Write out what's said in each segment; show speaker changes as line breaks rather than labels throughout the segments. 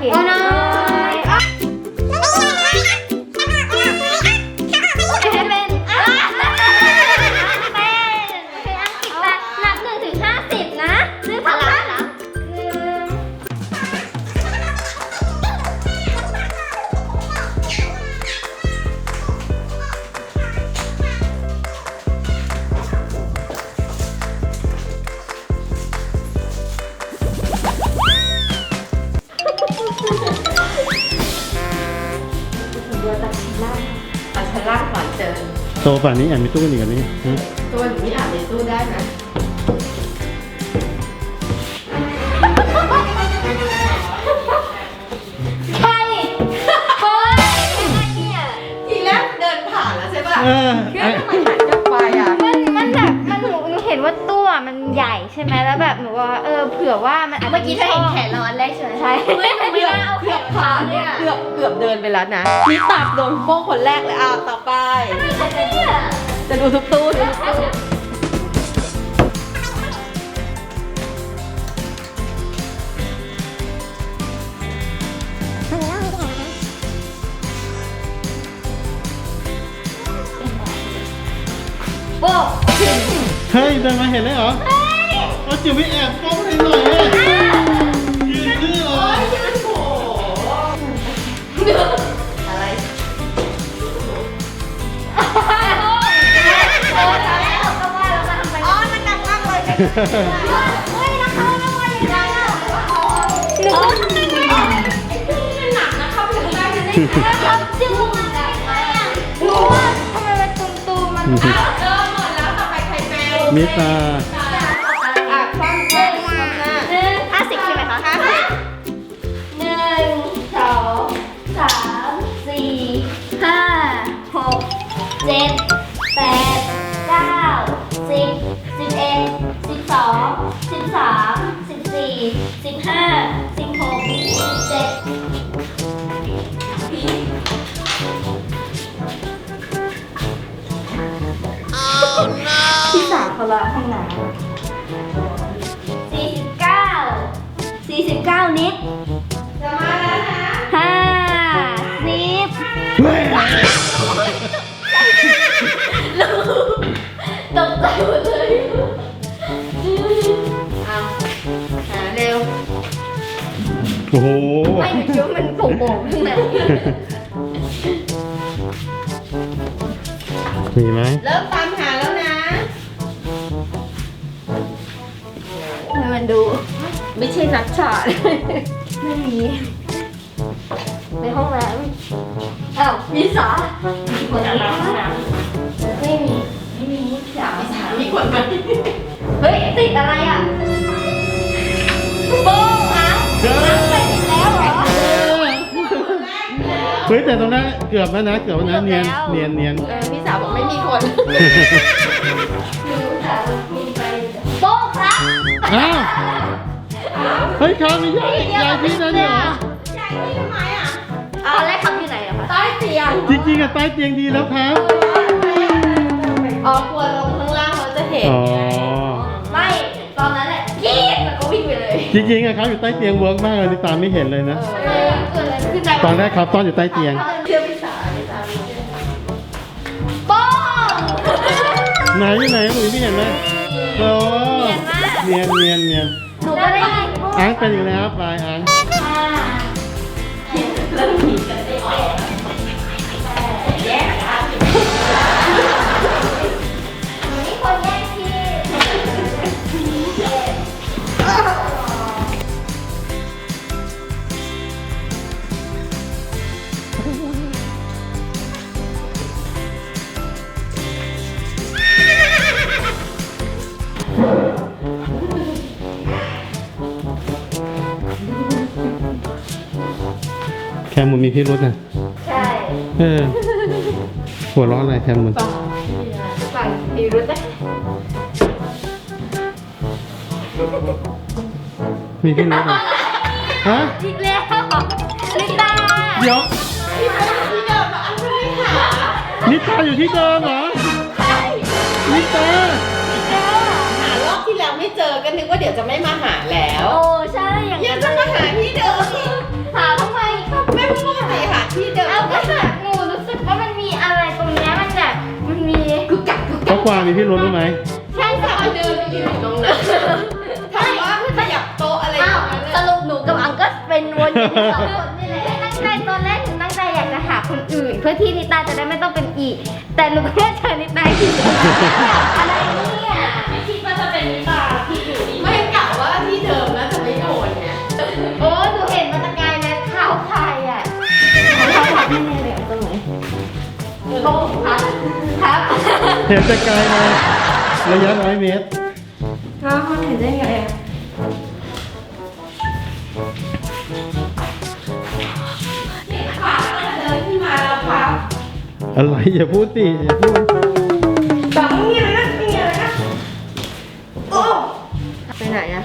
โอ้น้อย
ชั้นล่างก่อนเจอ
โตป่านนี้แอบมีตู้กันอีกแบบนี้
ตัวหนูนี่อาบในตู้ได้ไหมทีแรกเดินผ่านแล้วใช่ป่ะ
มันแบบหนูเห็นว่าตู้มันใหญ่ใช่ไหมแล้วแบบหนูว่าเผื่อว่ามันอาจจะ
เมื่อกี้เธอเห็นแขนเราอันแรกใช่ไหม
ใช่
เฮ้ยหนูไม่น่าเอาแขนขาเนี่ย
เกือบเดินไปแล้วนะนี่ตับโดนโป้งคนแรกเลยต่อไป จะดูทุกตู้ดูทุกตู้
โป๊ะ
เฮ้ยเดินมาเห็นเลยเหรอเอาจิ๋วไปแอบป้องให้หน่อยยืนดื้อเหรอ
อะไร
มันหนักมากเลย
มิตา
คว่ำหน้า
50ใช่ไหมคะ 1 2 3 4 5 6 7 8 9 10 11 12 13 14 15 16 17
ที่สามเขาละห้องน้ำ
49 นิด
จะมาแล้วนะ
50
เฮ้ย
ตกใจหมดเลย
หาเร็ว
โอ้โห
ไม่หนูคิดว่ามันโป่งๆข้างใน
มีไหม
เริ่มตามหาแล้วนะ
ให้มันดู
ไม่ใช่นักฉาด
ไม่มี ในห้องน้ำอ้าวมีสาคนในห้องน้ำไม่มีสา
มีคนไหม
เฮ้ยติดอะไรอ่ะโป้งอ่ะ
เฮ้ย
ไปติดแล้วเหรอ
เฮ้ยแต่ตรงนั้นเกือบแล้วนะเกือบแล้วนะเนียนเนียนเนียน
พี่สาวบอกไม่มีคน
โป้งครับ
อ้าวเฮ้ยครับมียายพี่นะเนี่ยเหรอ
ตอนแรกคำอยู่ไหนอะคะ
ใต้เตียง
จริงๆอะใต้เตียงดีแล้วครับ
อ๋อกลัวลงข้างล่างเราจะเห็น
อ๋อ
ไม่ ตอนนั้นแหละกรี๊ดแล้วก็วิ่งไปเลย
จริงๆอะครับอยู่ใต้เตียงเวิร์กมากเลยนี่ตามไม่เห็นเลยนะ
เกิดอะไรขึ้นใจ
ตอนแรกครับตอนอยู่ใต้เตียง
เชื่อพี่สาวพี่สาว
โป้ง
ไหนอยู่ไหนหนูไม่เห็นไหมโอ้เนียนเนียนเนียน
หนูก็ได้ยิน
อังเป็นอีกแล้วปลายอัง
เริ่มผีกันได้ออกแยกกัน
มีคนแย่งที่
แคมหมุนมีพิรุษนะ
ใช่
หัวเร้อนอะไรแคมหมุน
ฝั่งพิรุธนะ
มีพิรุษเหรอฮะ
อีกแล้วลิตา
เดี๋ยว
ที่เดิมอันนี้ค่ะ
นิตาอยู่ที่เดิมเหรอนิตา
หารอบที่แล้วไม่เจอก็นึกว่าเดี๋ยวจะไม่มาหาแล้ว
โอ้ใช่อย่าง
ยังจะมาหาที่เดิมอีก
หาท
เพราะความมีพี่รุ้รู้ไหม
ใช่ค่ะ
เดินไปยืนอยู่ตรงนั้นถามว่าขยับโต๊ะอะไรอย่าง
อ้าว
เงี้ย
สรุปหนูกับอังก็เป็นวนอยู่ที่สองคนนี่แหละ
ตั้งใจตอนแรกหนูตั้งใจอยากจะหาคนอื่น เพื่อที่นิตาจะได้ไม่ต้องเป็นอีก แต่หนูก็เจอนิตาอีกอะไรเนี่ย
ไม่คิดว่าจะเป็นนิตาที่อยู่นี่
ไม่กะว่าที่เดิมนะจะไม่โดนไง
โอ้หนูเห็นมาตะกายเลยเท้าใครอ่ะเท้าใครที่เนี่ยเดี๋ยวตรงไหนโต๊ะครับ
เห็นแต่ไกลมาระยะ100 เมตร
เขาเห็นได้ไงอะ
เดินขึ้นมาแล้วพับ
อะไรอย่าพูดสิอย่าพูด
บังนี่เลยนะนี่เลยนะโอ้ไปไหนอะ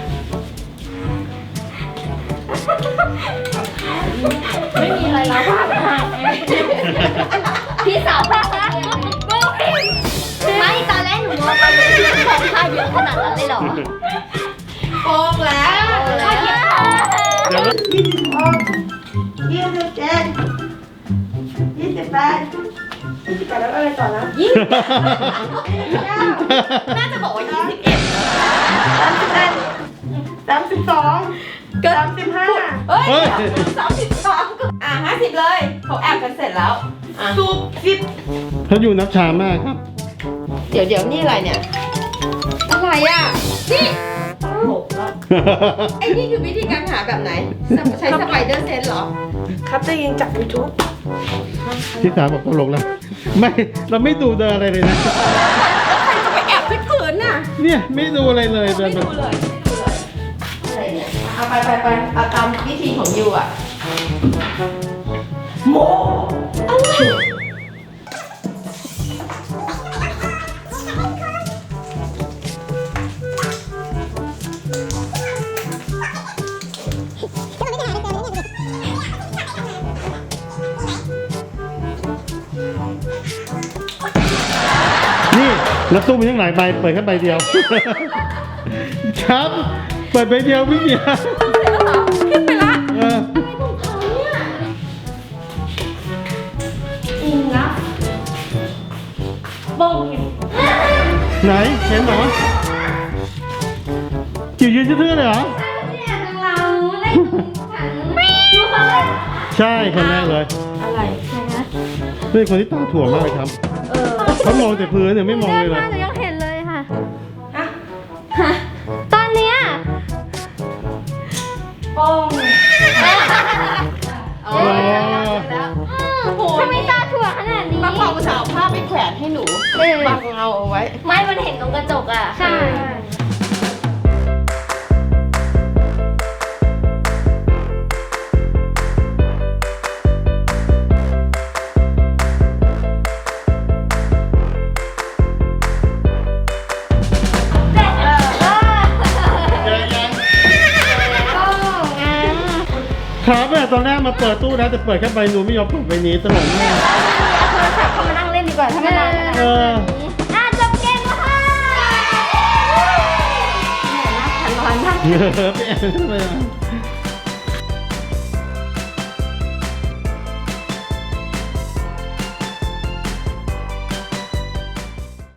ไม่มีอะไรแล้วพับ
พี่สาวพานะไม่ตอนแรกหนูมองไปเลยที่ของค่าเยอะขนาดนั้นเลยเหรอ
โป่งแล้ว
เดี๋ยวนะ
แล้วอะไรต่อนะน่าจะบอกว่า21 32 35เฮ้ย
เฮ้ย
33ก็50เลยเขาแอบกันเสร็จแล้วสูบ10
เขาอยู่นับช้ามากครับ
เดี๋ยวนี่อะไรเนี่ย อะไรอ่ะ นี่ไอ้นี่คือวิธีการหาแบบไหน ใช้สไปเดอร์เซนส์เหรอ
ครับจะยิงจาก YouTube
ที่สามบอกตลกแล้ว ไม่ เราไม่ดูเดินอะไรเลยนะ
ใครจะไปแอบที่ผืนน่ะ
เนี่ยไม่ดูอะไรเลยเดิน
ไม่
มา
ดูเลยอะไรเนี่ยเอาไปเอาตามวิธีของยูอ่ะโมอะไร
นี่แล้วตู้มีทั้งหลายใบเปิดแค่ใบเดียว ครับ เปิดใบเดียวพี่เดียว
ขึ้นไปละ
เออ
จริงนะบง
ไหนเห็นเหรอจิ๋วยืนชื่อๆเลยเหรอ
เนี่ยเราเล่นขันดูเขาเลย
ใช่คนแรกเลย
อะไร
เป็นคนที่ตาถ่วงมากเลยครับเขามองแต่พื้นเนี่ยไม่มองเลย
เดิน
เล
มาย หนูยังเห็นเลยค่ะ
อะ
ตอนเนี้ย
โป้ง
อ๋อ
ทำไมตาถั่วขนาดนี้
ป้าเป่าภาษาผ้าไปแขวนให้หนูบังเงาเอาไว้
ไม่มันเห็นตรงกระจกอ่ะ
ใช่
ครับเนี่ยตอนแรกมาเปิดตู้นะแต่เปิดแค่ใบหนูไม่ยอมเปิดใบนี้ตลกมาก
เอาโทรศัพท์เข้ามานั่งเล่นดีกว่าถ้าไม่นาน
เออ
จบเกมแล้วค่ะเหนื่อยมากฉันร้อนมาก
เยอะไปแอบเลย